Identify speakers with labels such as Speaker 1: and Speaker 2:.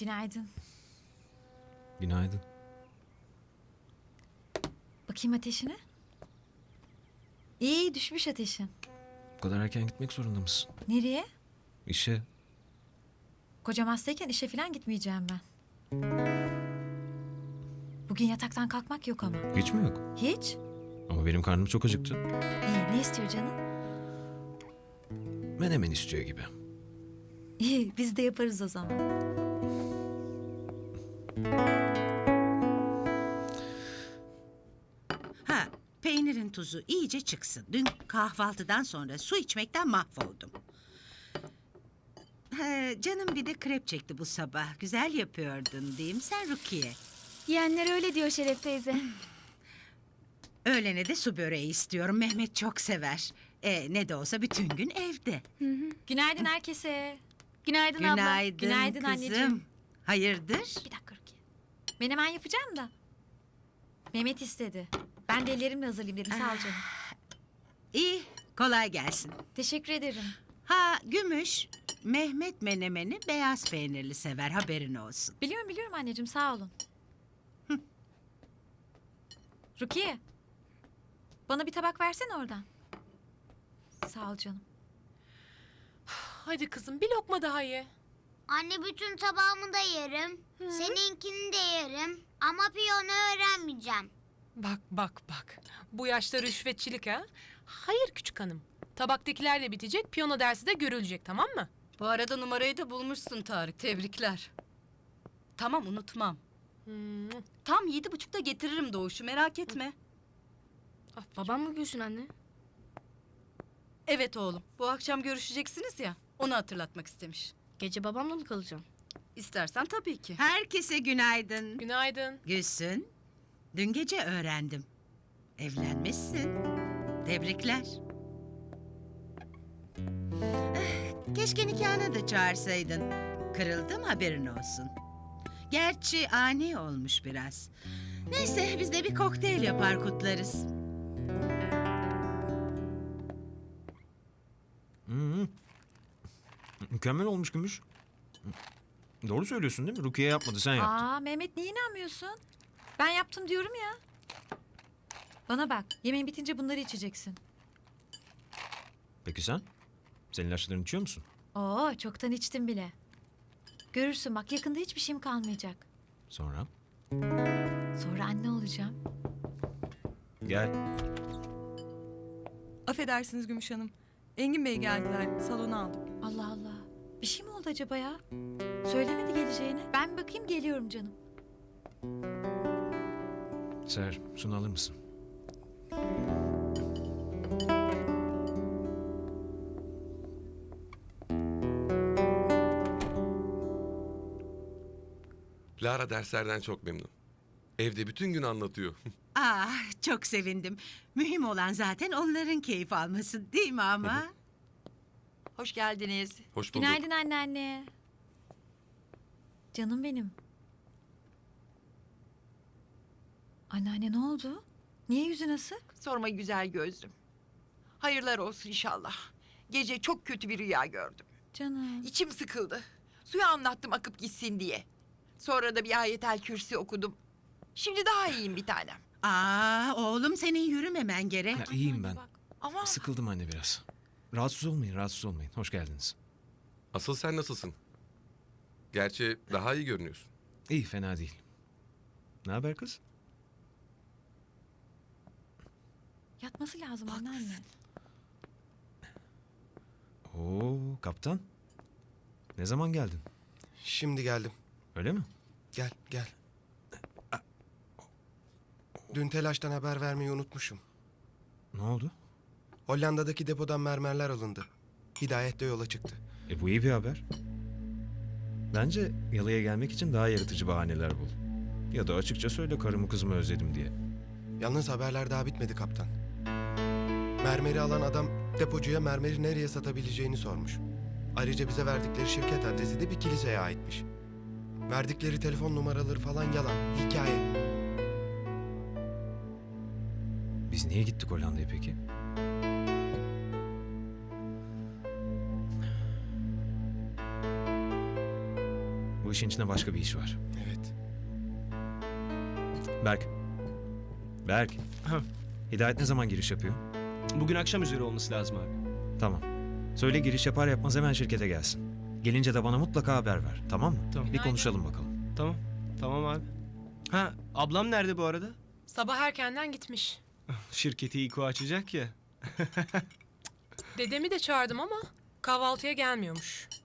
Speaker 1: Günaydın.
Speaker 2: Günaydın.
Speaker 1: Bakayım ateşine. İyi düşmüş ateşin.
Speaker 2: Bu kadar erken gitmek zorunda mısın?
Speaker 1: Nereye?
Speaker 2: İşe.
Speaker 1: Kocam hastayken işe falan gitmeyeceğim ben. Bugün yataktan kalkmak yok ama.
Speaker 2: Hiç mi yok?
Speaker 1: Hiç?
Speaker 2: Ama benim karnım çok acıktı.
Speaker 1: İyi, ne istiyor canım?
Speaker 2: Menemen istiyor gibi.
Speaker 1: İyi, biz de yaparız o zaman.
Speaker 3: Ha, peynirin tuzu iyice çıksın. Dün kahvaltıdan sonra su içmekten mahvoldum. Canım bir de krep çekti bu sabah. Güzel yapıyordun diyeyim sen Rukiye.
Speaker 4: Yeğenler öyle diyor Şeref teyze.
Speaker 3: Öğlene de su böreği istiyorum. Mehmet çok sever. Ne de olsa bütün gün evde.
Speaker 1: Günaydın herkese.
Speaker 4: Günaydın abla.
Speaker 3: Günaydın,
Speaker 1: Günaydın
Speaker 3: kızım.
Speaker 1: anneciğim.
Speaker 3: Hayırdır?
Speaker 1: Bir dakika Rukiye. Menemen yapacağım da. Mehmet istedi. Ben de ellerimle hazırlayayım dedim. Sağ ol canım.
Speaker 3: İyi, kolay gelsin.
Speaker 1: Teşekkür ederim.
Speaker 3: Ha, Gümüş, Mehmet menemeni beyaz peynirli sever, haberin olsun.
Speaker 1: Biliyorum anneciğim, sağ olun. Rukiye. Bana bir tabak versene oradan. Sağ ol canım.
Speaker 5: Hadi kızım bir lokma daha ye.
Speaker 6: Anne bütün tabağımı da yerim. Seninkini de yerim. Ama piyano öğrenmeyeceğim.
Speaker 5: Bak. Bu yaşta rüşvetçilik ha? Hayır küçük hanım. Tabaktakiler de bitecek, piyano dersi de görülecek, tamam mı?
Speaker 7: Bu arada numarayı da bulmuşsun Tarık. Tebrikler. Tamam, unutmam. Tam 7.30'da getiririm Doğuş'u, merak etme.
Speaker 4: Babam mı gülsün anne?
Speaker 7: Evet oğlum, bu akşam görüşeceksiniz ya, onu hatırlatmak istemiş.
Speaker 4: Gece babamla mı kalacağım?
Speaker 7: İstersen tabii ki.
Speaker 3: Herkese günaydın.
Speaker 5: Günaydın.
Speaker 3: Gülsün, dün gece öğrendim. Evlenmişsin. Tebrikler. Keşke nikahına da çağırsaydın. Kırıldım, haberin olsun. Gerçi ani olmuş biraz. Neyse biz de bir kokteyl yapar kutlarız.
Speaker 2: Mükemmel olmuş Gümüş. Doğru söylüyorsun değil mi? Rukiye yapmadı, sen yaptın.
Speaker 1: Aa Mehmet, niye inanmıyorsun? Ben yaptım diyorum ya. Bana bak, yemeğin bitince bunları içeceksin.
Speaker 2: Peki sen? Senin ilaçlarını içiyor musun?
Speaker 1: Oo, çoktan içtim bile. Görürsün bak, yakında hiçbir şeyim kalmayacak.
Speaker 2: Sonra?
Speaker 1: Sonra anne olacağım.
Speaker 2: Gel.
Speaker 8: Affedersiniz Gümüş Hanım. Engin Bey geldiler. Salona aldım.
Speaker 1: Allah Allah. Bir şey mi oldu acaba ya? Söylemedi geleceğini. Ben bir bakayım, geliyorum canım.
Speaker 2: Seher, şunu alır mısın?
Speaker 9: Lara derslerden çok memnun. Evde bütün gün anlatıyor.
Speaker 3: Çok sevindim. Mühim olan zaten onların keyif alması değil mi ama?
Speaker 10: Hoş geldiniz.
Speaker 9: Hoş bulduk.
Speaker 1: Günaydın anneanne. Canım benim. Anneanne ne oldu? Niye yüzün asık?
Speaker 10: Sorma güzel gözlüm. Hayırlar olsun inşallah. Gece çok kötü bir rüya gördüm.
Speaker 1: Canım.
Speaker 10: İçim sıkıldı. Suya anlattım akıp gitsin diye. Sonra da bir ayetel kürsi okudum. Şimdi daha iyiyim bir tanem.
Speaker 3: Oğlum senin yürümemen gerek.
Speaker 2: Ya, iyiyim ben.
Speaker 10: Ama
Speaker 2: Sıkıldım anne biraz. Rahatsız olmayın. Hoş geldiniz.
Speaker 9: Asıl sen nasılsın? Gerçi daha iyi görünüyorsun.
Speaker 2: İyi, fena değil. Ne haber kız?
Speaker 1: Yatması lazım anneanne.
Speaker 2: Oo, kaptan. Ne zaman geldin?
Speaker 11: Şimdi geldim.
Speaker 2: Öyle mi?
Speaker 11: Gel. Dün telaştan haber vermeyi unutmuşum.
Speaker 2: Ne oldu?
Speaker 11: Hollanda'daki depodan mermerler alındı. Hidayet de yola çıktı.
Speaker 2: Bu iyi bir haber. Bence yalıya gelmek için daha yaratıcı bahaneler bul. Ya da açıkça söyle, karımı kızımı özledim diye.
Speaker 11: Yalnız haberler daha bitmedi kaptan. Mermeri alan adam depocuya mermeri nereye satabileceğini sormuş. Ayrıca bize verdikleri şirket adresi de bir kiliseye aitmiş. Verdikleri telefon numaraları falan yalan, hikaye.
Speaker 2: Biz niye gittik Hollanda'ya peki? Bu işin içinde başka bir iş var.
Speaker 11: Evet.
Speaker 2: Berk. Berk.
Speaker 12: Ha.
Speaker 2: Hidayet ne zaman giriş yapıyor?
Speaker 12: Bugün akşam üzeri olması lazım abi.
Speaker 2: Tamam. Söyle giriş yapar yapmaz hemen şirkete gelsin. Gelince de bana mutlaka haber ver. Tamam mı?
Speaker 12: Tamam.
Speaker 2: Bir konuşalım bakalım.
Speaker 12: Tamam. Tamam abi. Ha, ablam nerede bu arada?
Speaker 5: Sabah erkenden gitmiş.
Speaker 12: Şirketi İko açacak ya.
Speaker 5: Dedemi de çağırdım ama kahvaltıya gelmiyormuş.